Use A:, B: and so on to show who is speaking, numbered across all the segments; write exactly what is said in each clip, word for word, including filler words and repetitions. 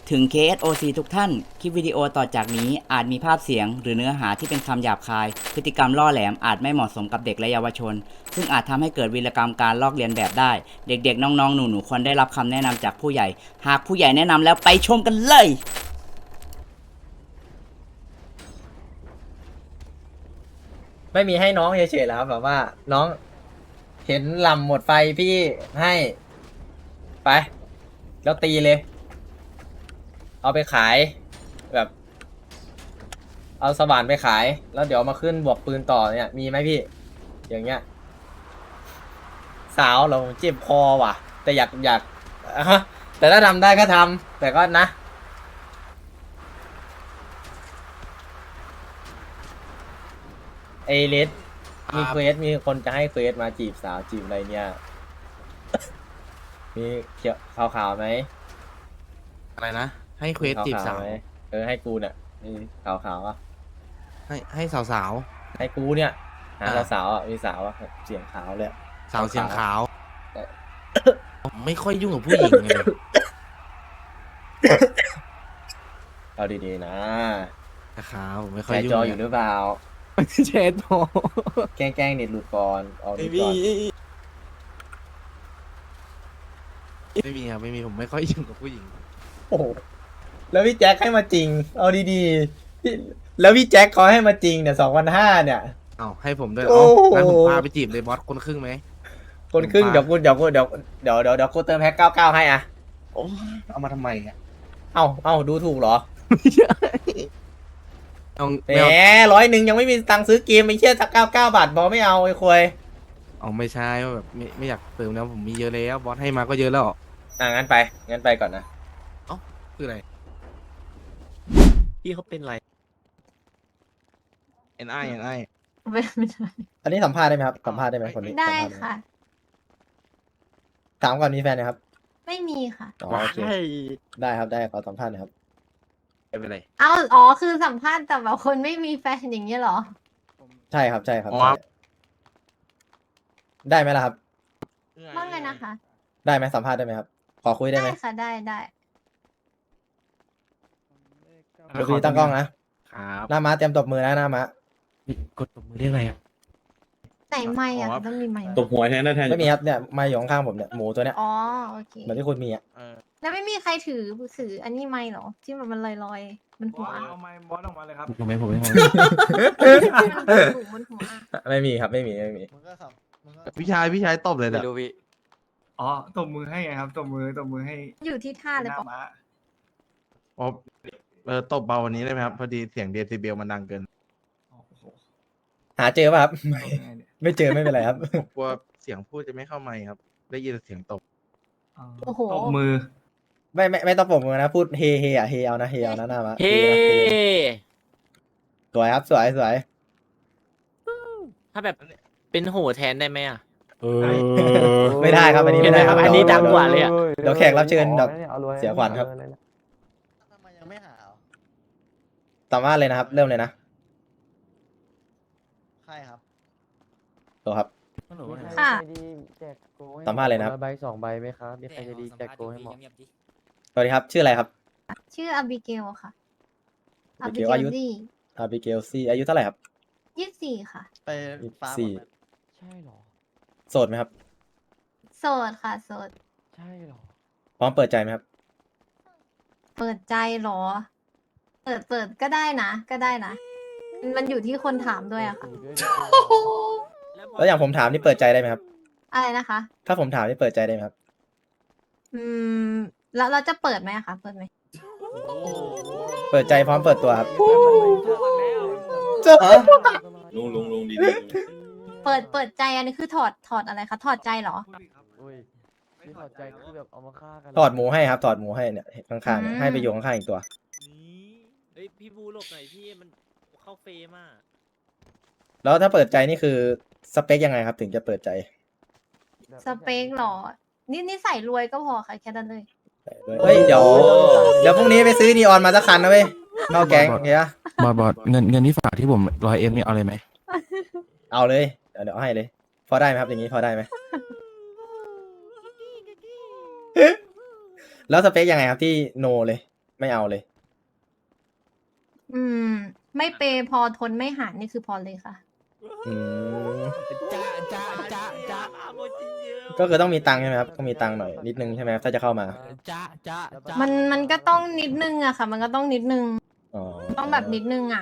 A: ถึง เค เอส โอ ซี ทุกท่าน คลิปวิดีโอต่อจากนี้อาจมีภาพเสียงหรือเนื้อหาที่เป็นคำหยาบคาย พฤติกรรมล่อแหลมอาจไม่เหมาะสมกับเด็กและเยาวชน ซึ่งอาจทำให้เกิดวีรกรรมการลอกเลียนแบบได้ เด็กๆ น้องๆ หนูๆ ควรได้รับคำแนะนำจากผู้ใหญ่ หากผู้ใหญ่แนะนำแล้วไปชมกันเลย
B: ไม่มีให้น้องเฉยๆแล้วครับแบบว่าน้องเห็นลำหมดไฟพี่ให้ไปแล้วตีเลย เอาไปขายแบบเอาสว่านไปขายแล้วเดี๋ยวมาขึ้นบวกปืนต่อเนี่ยมีไหมพี่ อย่างเงี้ยสาวเราเจ็บคอว่ะ แต่อยากอยากอะฮะแต่ถ้าทำได้ก็ทำแต่ก็นะเอเลสมีเควสมีคนจะให้เควสมาจีบสาวจีบอะไรเนี่ย มีเขียวขาวๆไหม
C: อะไรนะ ให้เควสจีบสาว
B: ไหมเออให้กูเนี่ยมีขาวๆอ่ะ
C: ให้ให้สาวสาว
B: ให้กูเนี่ยหา
C: อ่า
B: สาวๆอ่ะมีสาวอ่ะเสียงขาวเลยอะ
C: สาวเสียงขาว
B: เออ
C: ผมไม่ค่อยยุ่งกับผู้หญิงไง
B: เอาดีๆนะ
C: ขาวผมไม่
B: แช
C: ค่อย
B: ร์
C: ยุ่ง
B: จออยู่หรือเปล่า
C: แชร์จอ
B: แกล้งแกล้งเน็ตหลุดก่อนออก
C: ไม่
B: ดี
C: มี
B: ก่อน
C: ไม่มีครับไม่มีผมไม่ค่อยยุ่งกับผู้หญิง
B: โอ้โหแล้วพี่แจ็คให้มาจริง เอาดีๆพี่แล้วพี่แจ็คเขาให้มาจริงเนี่ยสองพันห้าเนี่ย
C: เอ้าให้ผมด้วย
B: โอ้
C: เอ้า
B: โห
C: งั้นผมพาไปจีบเลยบอสคนครึ่งไหม
B: คนครึ่ง
C: ผมพา
B: เดี๋ยวกูเดี๋ยวกูเดี๋ยวเดี๋ยวเดี๋ยวเดี๋ยวกูเติมแพ็คเก้าเก้าให้อ่ะ
C: โอ้เอามาทำไมอ่ะ
B: เอ้าเอ้าดูถูกเหรอ
C: เอา
B: แหม
C: ไม่เอา
B: ร้อยหนึ่งยังไม่มีตังค์ซื้อเกมไม่เชื่อสักเก้าเก้าบาทบอไม่เอาไอ้ควย
C: เอาไม่ใช่ว่าแบบไม่ไม่อยากเติมแล้วผมมีเยอะแล้วบอสให้มาก็เยอะแล้ว
B: อ่ะงั้นไปงั้นไปก่อนนะ
C: คืออะไร
D: พี่เขาเป็นไร
C: เอ็นไอเอ็นไอ
E: ไม่ไม่ได้
B: อันนี้สัมภาษณ์ได้ไหมครับสัมภาษณ์ได้ไหมคนนี้
E: ได้
B: สัมภาษณ์หม
E: ค่ะ
B: ถามก่อนมีแฟนนะครับ
E: ไม่มีค่ะ
B: อ๋อโอเคได้ครับได้ขอสัมภาษณ์หนะครับ
C: ไม่เป็นไร
E: เอาอ๋อคือสัมภาษณ์แต่แบบคนไม่มีแฟนอย่างเงี้ยเหรอ
B: ใช่ครับใช่ครับ
C: อ๋อ
B: ใช่ได้ไหมล่ะครับ
E: ว่าไงนะคะ
B: ได้ไหมสัมภาษณ์ได้ไหมครับ ขอคุยได้
E: ได้
B: ไหม
E: ค่ะได้ได้
B: เดี๋ยวคุยตั้งกล้องนะครับ หน้าม้าเตรียมตบมือนะหน้าม้าก
C: ดตบมือเรียกอะไรอ่ะ
E: ไหนไม่อะ
C: อ๋อ
E: ต้องมีไม่
D: ตบหัวแทนนะแทน
B: ไม่มีครับเนี่ยไมาอยู่ข้างๆผมเนี่ยหมูตัวเนี้ย
E: อ๋อโอเค
B: เหมือนที่คุณมีอ่ะ
C: เออ
E: แล้วไม่มีใครถือถืออันนี้ไม่เหรอ ที่มันมันลอยลอยๆมันหัว
D: เอาไม้บอสออกมาเลยครับ
C: ผมไม่ผมไม่ผม
E: มันถูกมันหัวอะ
B: ไม่มีครับไม่มีไม่มี
C: พี่ชายพี่ชายตบเลยแหละ
D: อ๋อตบมือให้ไงครับตบมือตบมือให้
E: อยู่ที่ท่าเลย
D: ห
E: ปะ
D: น้าม้า
C: อ๋อเออตบเบาวันนี้ได้ไหมครับ พอดีเสียงเดซิเบลมันดังเกิน
D: โอ้โห
B: หาเจอป่ะครับ
D: ตบยังไงเนี่ย
B: ไม่เจอไม่เป็นไรครับ
C: ผมกลัวเสียงพูดจะไม่เข้าไมค์ครับ ได้ยินแต่เสียงตบ
D: อ๋อ
E: โอ้โห
D: ตบมือ
B: ไม่ไม่ไม่ต้องปรบมือนะพูดเฮเฮอ่ะเฮเอานะเฮเอานะหน้าม้า
F: เฮ้
B: นะเฮสวยครับสวยสวย
F: ถ้าแบบเป็นโหแทนได้ไหมอ่ะ
B: ไม่ได้ครับอันนี้ไม่ได้ครับ
F: อันนี้ดังกว่าเลยอะ
B: เดี๋ยวแขกรับเชิญแบบเสียขวัญครับ
G: ทำไมยังไม่หาอ่ะ
B: สัมภาษณ์เลยนะครับ เริ่มเลยนะ
G: ใครครับ
B: ตัวครับ
E: ค่ะ
B: สัมภาษณ์เลยนะครับ
G: ใบสองใบไหมครับ มีใครจะดีแจกโกให้หมอ
B: สวัสดีครับ ชื่ออะไรครับ
E: ชื่ออบิเกลค่ะอบิ
B: Abigail
E: เกล
B: อายุ
E: ซี่
B: อาบิเกลซี่อายุเท่าไหร่ครับ
E: ยี่สิบสี่ค่ะ
G: ไป
B: ยี่สิบ
G: ฟ้า
B: สี่
G: หมดไหมใช่หรอ
B: โสดไหมครับ
E: โสดค่ะโสด
G: ใช่หรอ
B: พร้อมเปิดใจไหมครับ
E: เปิดใจเหรอ เปิดเปิดก็ได้นะ ก็ได้นะ มันอยู่ที่คนถามด้วยอะค่ะ
B: แล้วอย่างผมถามนี่เปิดใจได้ไหมครับ
E: อะไรนะคะ
B: ถ้าผมถามนี่เปิดใจได้ไหมครับ
E: อืม แล้วเราจะเปิดไหมอะคะ เปิดไหม
B: เปิดใจพร้อมเปิดตัวครับ
D: ลุงลุงลุงดี
E: เปิด เปิดใจอันนี้คือถอด ถอดอะไรคะ ถอดใจเหรอ
G: อุ้ยที่ถอดใจคือแบบเอามาฆ่ากัน
B: ถอดหมูให้ครับ ถอดหมูให้เนี่ยข้างๆเนี่ย
E: อืม
B: ให้ไปอยู่ข้างๆอีกตัว
F: นี่เฮ้ยพี่บูหลบหน่อยพี่มันเข้าเฟรมอ่ะ
B: แล้วถ้าเปิดใจนี่คือสเปคยังไงครับ ถึงจะเปิดใจ
E: สเปคเหรอ นี่นี่ใส่รวยก็พอค่ะ แค่นั้นเลย
B: เฮ้ยเดี๋ยวเดี๋ยวพรุ่งนี้ไปซื้อนีออนมาสักคันนะเว้ยเข้าแก๊งโอเคปะ
C: บอดบอดเงินเงินที่ฝากที่ผมร้อยเอ็มนี่เอาเลยไหม
B: เอาเลยเดี๋ยวเดี๋ยวให้เลย พอได้ไหมครับอย่างนี้พอได้ไหม แล้วสเปคยังไงครับที่โนเลยไม่เอาเลย
E: อืม ไม่เปย์พอทนไม่หารนี่คือพอเลยค่ะ
B: อืม
F: จ้าจ้าจ้าจ้าโมจิเยอะ
B: ก็คือต้องมีตังค์ใช่ไหมครับต้องมีตังค์หน่อยนิดนึงใช่ไหมครับถ้าจะเข้ามา
F: จ้าจ้าจ้า
E: มันมันก็ต้องนิดนึงอะค่ะ มันก็ต้องนิดนึง
B: อ๋อ
E: ต้องแบบนิดนึงอะ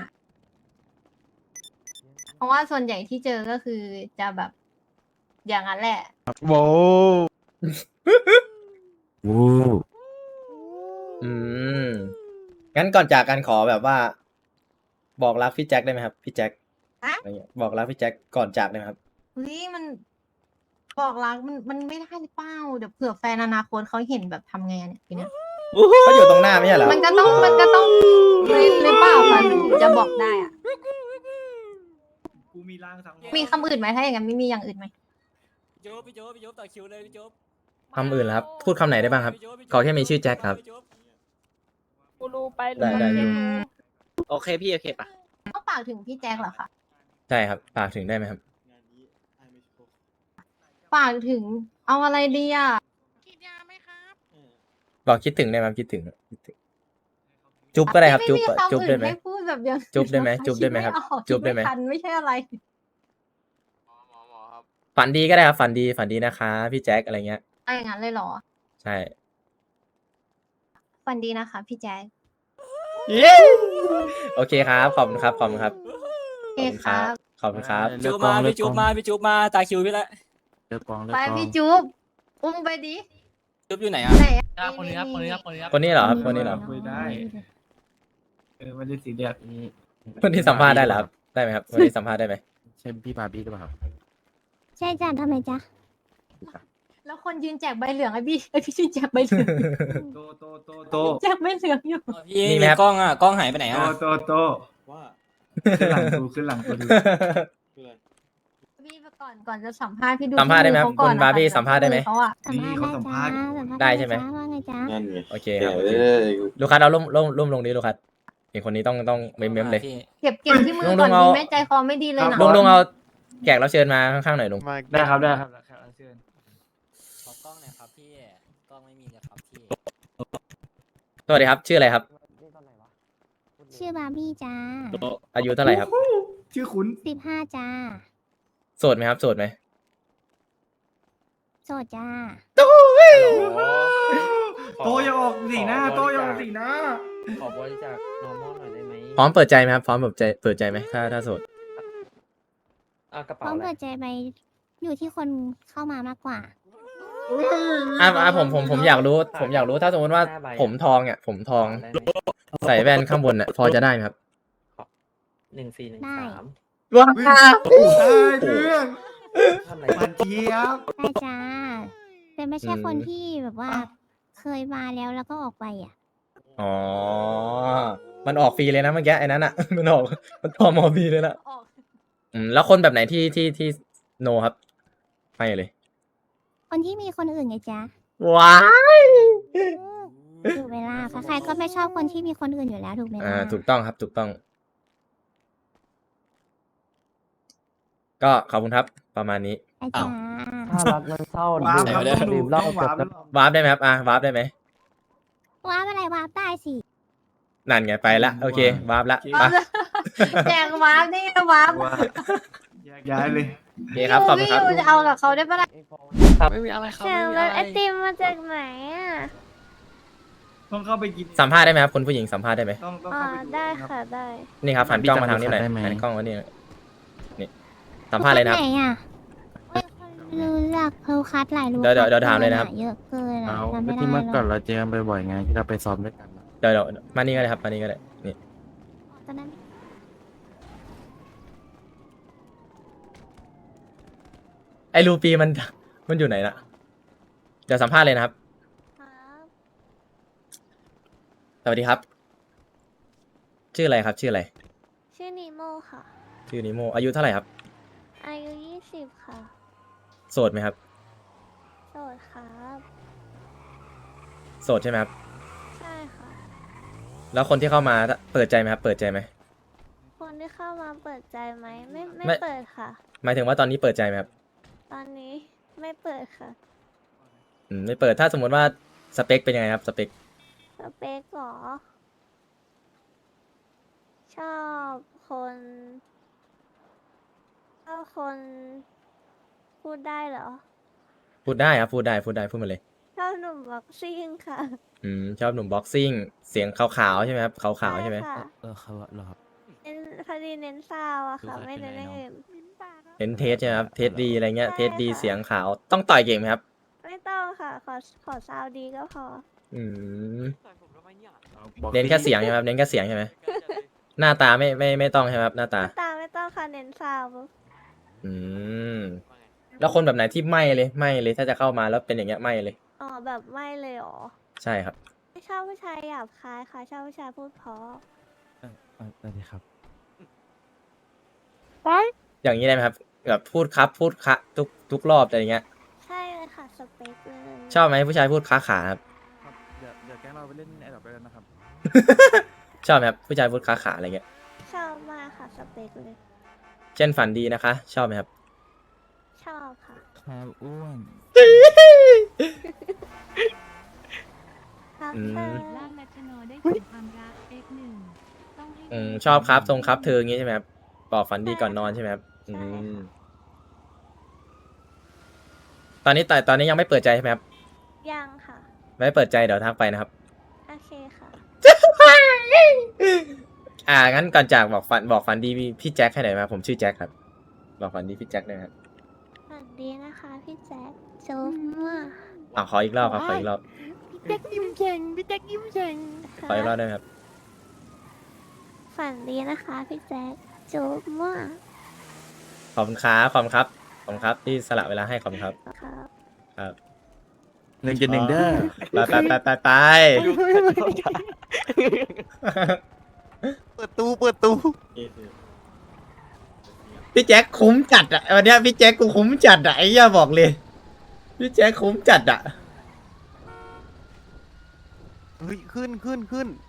E: เพราะว่าส่วนใหญ่ที่เจอก็คือจะแบบ อย่างนั้นแหละ
C: โว้
B: อืมงั้นก่อนจากกันขอแบบว่า บอกรักพี่แจ็คได้ไหมครับพี่แจ็ค
E: ฮะ
B: อะไรเงี้ยบอกรักพี่แจ็คก่อนจากได้ไหมครับ
E: เฮ้ยมันบอกรักมันมันไม่ได้หรือเปล่าเดี๋ยวเผื่อแฟนอนาคตเขาเห็นแบบทำไงเนี่ยทีเนี้ย
B: เขาอยู่ตรงหน้าไม่ใช่เหรอ
E: มันก็ต้องมันก็ต้องหรือหรือเปล่าคะมันถึงจะบอกได้อะ
D: กูมีร่างสังหรณ์
E: มีคำอื่นไหมถ้าอย่างนั้นไม่มีอย่างอื่นไหม
F: พี่โจ๊บพี่โจ๊บพี่โจ๊บต่อคิวเลยพี่โจ๊บ
B: คำอื่นเหรอครับ พูดคำไหนได้บ้างครับ ขอแค่มีชื่อแจ็คครับ
H: กูรู้ไป
B: ได้ได้อยู่
F: โอเคพี่โอเคปะ
E: ต้องฝากถึงพี่แจ็คเหรอคะ
B: ใช่ครับฝากถึงได้ไหมครับ
E: ฝากถึงเอาอะไรดีอ่ะ
B: บอกคิดถึงได้ไหมครับคิดถึงคิดถึง จุ๊บก็ได้ครับ จุ๊บ
E: ไม่มีคำ
B: จุ๊บได้ไหม
E: อื่นให้พูดแบบอย่างอื่น
B: จุ๊บได้ไหม
E: นะคะ
B: จุ๊บได้ไหมครับ
E: ดออก
B: จุ๊บได้ไหม
E: คิทันไม่ใช่อะไร
B: ฝันดีก็ได้ครับ ฝันดีฝันดีนะคะพี่แจ็คอะไรเงี้ย
E: เอาอย่างนั้นเลยเหรอ
B: ใช่
E: ฝันดีนะคะ พี่แจ็ค
B: โอเคครับ ขอบคุณครับ ขอบคุณครับ
E: โอเคครับ
B: ขอบคุณครับ
F: จูบมาพี่จูบมาพี่จูบมาตาคิวพี่ละ
G: เลือกกองเลือก
E: ไป
G: กอง
E: พี่จุ๊บอุ้มไปดิ
F: จูบอยู่ไหนอ่ะ
E: ไหนอะ
F: ครับคนนี้ครับคนนี้ครับคนนี้ครับ
B: คนนี้เหรอครับคนนี้เหรอ
D: คุยได้ เออไม่ได้สีเรียส
G: นี่
B: คนที่สัมภาษณ์ได้เหรอครับ ได้ไหมครับคนที่สัมภาษณ์ได้ไหม
G: ใช่พี่บาร์บี้หรือเปล่าครับ
H: ใช่จ้ะทำไมจ๊ะ
E: แล้วคนยืนแจกใบเหลืองไอ้พี่ไอ้พี่ยืนแจกใบเหลือง
D: โตโตโตโต
E: แจกใบเหลืองอยู่
F: พี่
B: มีไหมครับ
F: กล้องอ่ะกล้องหายไปไหน
D: โต
F: อ่ะ
D: โตโตว่าขึ้นหลังกูขึ้นหลังกูดู
E: พี่ก่อนก่อนจะสัมภาษณ์พี่ดู
B: สัมภาษณ์ได้ไหมครับ
E: ที่อเขก่อน
B: คุณบาร์บี้
E: นะคะ
B: สัมภาษณ์ได้ไหม
E: เขาอะ
D: นี่เขาสัมภาษณ์
B: ได้ใช่ไหม
H: ว่าไงจ๊ะ
I: นั่นไง
B: โอเคครับโอเค
I: เอ้ย
B: ลูกค้าเอาล่มล่มล่มลงนี้ลูกค้าเห็นคนนี้ต้องต้องเม้มเม้มเลย
F: พี่
E: เก็บเก็บที่มือ
B: ลุง
E: ก่อน
B: ลุงเอา
E: ดีแม่ใจคอไม่ดีเลยนะ
B: ลุงลุงเอาแขกรับเชิญมาข้างๆหน่อยลุง
D: ได้ครับได้ครับแขกรับเชิญ
F: ขอกล้องหน่อยครับพี่กล้องไม่มีเลยครับพี่
B: สวัสดีครับชื่ออะไรครับ
G: นี่ตอนไหนวะ
H: ชื่อบาร์บี้จ้า
B: อายุเท่าไหร่ครับ
D: ชื่อคุณ
H: สิบห้าจ้า
B: โสดไหมครับโสดไหม
H: โสดจ้า
D: โตอย่าออกสีหน้าโตอย่าออกสีหน้า
G: ขอบริจาค normal หน่อยได้ไหม
B: พร้อมเปิดใจไหมครับพร้อมเปิดใจเปิดใจไหมถ้าถ้าโสด
G: อ่ะกระ
H: พ
G: เป๋า
H: ร้อม
G: อะไร
H: เปิดใจไปอยู่ที่คนเข้ามามากกว่า
B: อ่ะอ่ะผมผมผมอยากรู้ ผมอยากรู้ถ้าสมมติว่าผมทองเนี่ยผมทอง
G: ได้ไหม
B: ใส่แว่นข้างบนเนี่ยพอจะได้ไหมครับ
G: หนึ่งสี่หนึ่ง
H: ได้
G: สาม
B: ว้า
D: ได้เรื่อง
G: ท่านไหน
D: มันเทียบ
H: ได้จ้า แต่ไม่ใช่คนที่แบบว่า เคยมาแล้วแล้วก็ออกไปอ่ะ
B: อ๋อมันออกฟรีเลยนะเมื่อกี้ไอ้นั้นอ่ะ มันออกมันทอมอฟรีเลยนะ
E: ออก
B: อืมแล้วคนแบบไหนที่ที่ที่โนครับไม่เลย
H: คนที่มีคนอื่นไงจ๊ะ
B: ว้าย
H: ถูกเวลาใครๆก็ไม่ชอบคนที่มีคนอื่นอยู่แล้วถูกไหม
B: อ่า
H: ล่ะ
B: ถูกต้องครับถูกต้อง ก็ขอบคุณครับ ประมาณนี้
H: ไอ้จ้า
G: ถ้ารักมันเศร้า
D: ว้าว
G: ดื่ม
D: ครับ
G: ดื่
D: ต้องดู
G: มเหล้า
D: ต้อง
G: เกือบ
D: วาร์ป
G: แล้ว
B: วาร์ปได้ไหมครับอ่ะวาร์ปได้ไหม
H: ว้าร์ปอะไรว้าร์ปได้สิ
B: นั่นไงไปละโอเควาร์ปละไป
E: แจกวาร์ปนี่วาร์ป
D: ว่าแยกย้ายเลย
B: โอเคครับขอบคุณครับ
E: พี่จะเอากับเขาได้ปะล่ะ
F: ไม่มีอะไรครับ
H: เสียงรถไอติมมาจากไหนอ่ะ
D: ต้องเข้าไปกิน
B: สัมภาษณ์ได้ไหมครับคุณผู้หญิงสัมภาษณ์ได้ไหม
D: ต้องต้อง
H: อ๋อ
D: เข้าไปดู
H: ได้
D: รับ
H: ค่ะได้
B: นี่ครับหันกล้องมาทางนี้หน่อยหันกล้องมานี่หน่อยนี่สัมภาษณ์เลยนะครับ
H: ไหนอ่ะโอ้ยคนรู้จักเพลคัสหลายรูป
B: เดี๋ยวเดี๋ยวเดี๋ยวถามเลยนะครับ
H: เยอะเกินอะ
G: เอา
H: จำไม่
G: ก็
H: ได้
G: ที่เมื่อก่อน
H: หร
G: เรา
H: อก
G: เจอกันบ่อยๆไงที่เราไปซ้อมด้วยกันนะ
B: เดี๋ยวเดี๋ยวมานี่ก็ได้ครับมานี่ก็ได้นี่
H: ตอนนั้น
B: ไอ้รูปีมันมันอยู่ไหนน่ะเดี๋ยวสัมภาษณ์เลยนะครับ
H: ครับ
B: สวัสดีครับ ชื่ออะไรครับ ชื่ออะไร
H: ชื่อนิโมค่ะ
B: ชื่อนิโมอายุเท่าไหร่ครับ
H: อายุยี่สิบค่ะ
B: โสดไหมครับ
H: โสดครับ
B: โสดใช่ไหมครับ
H: ใช่ค่ะ
B: แล้วคนที่เข้ามาเปิดใจไหมครับ เปิดใจไหม
H: คนที่เข้ามาเปิดใจไหมไม่ไม่
B: ไม่
H: เปิดค่ะ
B: หมายถึงว่าตอนนี้เปิดใจไหมครับ
H: ตอนนี้ไม่เปิดค่ะ
B: อืมไม่เปิดถ้าสมมติว่าสเปคเป็นยังไงครับสเปค
H: สเปกเหรอ ชอบคนชอบคนพูดได้เหรอ
B: พูดได้ครับพูดได้พูดได้พูดมาเลย
H: ชอบหนุ่มบ็อกซิ่งค่ะ
B: อืมชอบหนุ่มบ็อกซิ่งเสียงขาวๆใช่ไหมครับขาวๆใช่ไหม
H: ค่ะ
G: เออเขาเหรอครับ
H: เน้นพอดีเน้นซาวอะค่ะ
G: คือ
H: ไม่
G: เป็น
H: เน้น
G: ไร
H: อย่าง
G: เนอะ
H: อื่น
B: เห็นเทสใช่ไหมครับเทสดีอะไรเงี้ย
H: ใช่
B: เทสดี
H: ค่ะ
B: เสียงขาวต้องต่อยเก่งไหมครับ
H: ไม่ต้องค่ะ ขอขอซาวดีก็พอ
B: อืม
G: บอก
B: เน้นแค่เสียงใช่ไหมครับเน้นแค่เสียงใช่ไหมหน้าตาไม่ไม่ไม่ต้องใช่ไหมครับหน้าตา
H: ตาไม่ต้องค่ะเน้นซาว
B: อืมแล้วคนแบบไหนที่ไม่เลยไม่เลยถ้าจะเข้ามาแล้วเป็นอย่างเงี้ยไม่เลย
H: อ๋อแบบไม่เลยเหรอ
B: ใช่ครับ
H: ไม่ชอบผู้ชายหยาบคายค่ะ ชอบผู้ชายพูดเพราะ
G: เออเออเออดีครับ
B: อย่างนี้ได้ไหมครับแบบพูดครับพูดคะทุกทุกรอบอะไรเงี้ย
H: ใช่เลยค่ะสเปคเลย
B: ชอบไหมผู้ชายพูดค้าขาครับ
G: ครับ เดี๋ยวเดี๋ยวแก๊งเราไปเล่นไอ้ดอกด้วยกันนะครับ
B: ชอบไหมครับผู้ชายพูดค้าขาอะไรเงี้ย
H: ชอบมากค่ะสเปคเลย
B: เช่นฝันดีนะคะ ชอบไหมครับ
H: ชอบค่ะ
G: ครับอ้วน
H: ครับ
B: อืม
H: เธอ
I: ล่างนัชโนได้ถึงความรัก เอ็กซ์ หนึ่ง ต้องให้
B: อืมชอบครับทรงครับเธออย่างงี้ใช่ไหมครับบอกฝันดีก่อนนอนใช่ไหมครับอืมตอนนี้แต่ตอนนี้ยังไม่เปิดใจใช่ไหมครับ
H: ยังค่ะ
B: ไม่เปิดใจเดี๋ยวทักไปนะครับ
H: โอเคค่ะ
B: อ่างั้นก่อนจากบอกฝันบอกฝันดีพี่แจ็คให้หน่อยไหมครับผมชื่อแจ็คครับ บอกฝันดีพี่แจ็คหนะครับ
H: สวัสดีนะคะพี่แจ็คจุ๊บมั่ว
B: อ่าขออีกรอบครับขออีกรอบ
H: พี่แจ็คยิ้มเก่งพี่แจ็คยิ้มเก่ง
B: ขออีกรอบได้ไหมครับ
H: ฝันดีนะคะพี่แจ็คจุ๊บมั่ว
B: ขอบคุณครับขอบคุณครับขอบคุณครับที่สละเวลาให้ขอบคุณครับ
H: ครับ
B: ครับ
G: หนึ่งจุดหนึ่งเด้อ
B: ไปไปไปไปไป
C: เปิดตู้เปิดตู้
B: พี่แจ็คคุ้มจัดอะวันเนี้ยพี่แจ็คกูคุ้มจัดอะไอ้เหี้ยบอกเลย พี่แจ็คคุ้มจัดอะ
C: เฮ้ยขึ้นขึ้นขึ้น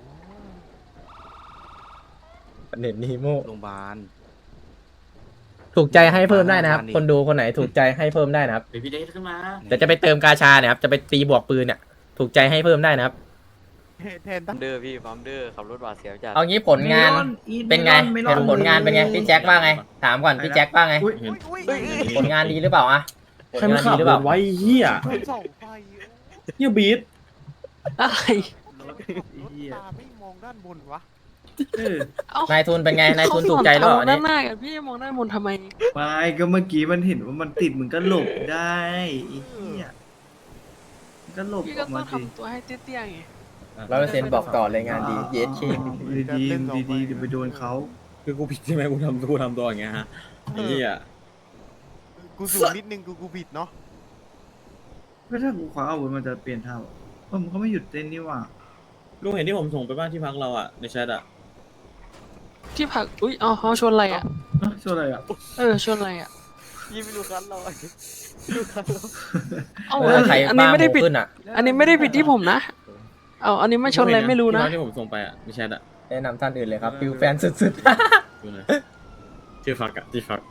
B: เน็ตนีโม
G: โรงพยาบาล
B: ถูกใจให้เพิ่มได้นะครับ
G: บ้านนี้
B: คนดูคนไหนถูกใจให้เพิ่มได้นะครับ
F: เดี๋ยวพี่เล็กขึ้นมา
B: เดี๋ยวจะไปเติมกาชาเนี่ยครับจะไปตีบวกปืนเนี่ยถูกใจให้เพิ่มได้นะครับ
C: แทนตั้ง
F: เดอร์พี่ฟาร์มเดอร์ขับรถบาดเสียวจัด
B: เอางี้ผลงานเป็นไงเห็นผลงานเป็นไงพี่แจ็คว่าไง ถามก่อนพี่แจ็คว่าไง
D: อุ๊ย
B: ผลงานดีหรือเปล่าอะผล
J: ใครมาง
B: าน
J: ขั
B: ดี
J: บ
B: หรือเปล่า
J: ไว้เฮีย
C: สองไฟ
J: เฮียบีท
F: อะไร
C: รถตาไม่มองด้านบนวะ
J: เออน
B: ายทุนเป็นไงนายทุนถูกใจหรือเปล่าอันนี้
F: พี่มองด้านบนทำไม
D: ไม่ก็เมื่อกี้มันเห็นว่ามันติดมึงก็หลบได้ไอ้เหี้ยมึงก็หลบออกมาสิ
F: ตัวให้เตี้ยๆไง
B: ร้อยเปอร์เซ็นต์บอกต่อเลยงานดีเยสเค
D: ดีดีดีๆเดี๋ยวไปโดนเขา
J: คือกูผิดใช่ไหมกูทำกูทำตัวอย่างเงี้ยฮะไอ้เฮีย
C: กูสูงนิดนึงกูกูผิดเนาะ
D: ก็ถ้ากูคว้าอาวุธมันจะเปลี่ยนท่าเหรอเออมันก็ไม่หยุดเต้นนี่หว่า
J: ลุงเห็นที่ผมส่งไปบ้านที่พักเราอ่ะในแชทอ่ะ
F: ที่ผัก อุ้ยอ๋อเขาชนอะไรอ่ะ
D: เอ้าช่วยอะไรอ่ะ
F: เออ ชนอะไรอ่ะยี่ไม่ดูคันเราดูคันเราเอา
B: เออใคร
F: อัน
B: บ้า
F: นี้
B: ห
F: ไม่ได้
B: มู
F: ผิด
B: ขึ้นอ่ะ
F: อันนี้ไม่ได้ผิดที่ผมนะ เอาอันนี้ไม่ชนอะไรไม่รู้นะ
J: ที่พักที่ผมส่งไปอ่ะในแชทอ่ะ
B: แนะนำท่านอื่นเลยครับฟิลแฟนสุด
J: ดูนะที่พักอ่ะที่พัก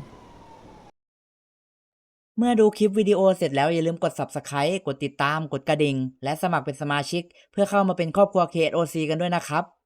A: เมื่อดูคลิปวิดีโอเสร็จแล้วอย่าลืมกด ซับสไครบ์ กดติดตาม กดกระดิ่ง และสมัครเป็นสมาชิก เพื่อเข้ามาเป็นครอบครัว เค เอส โอ ซี กันด้วยนะครับ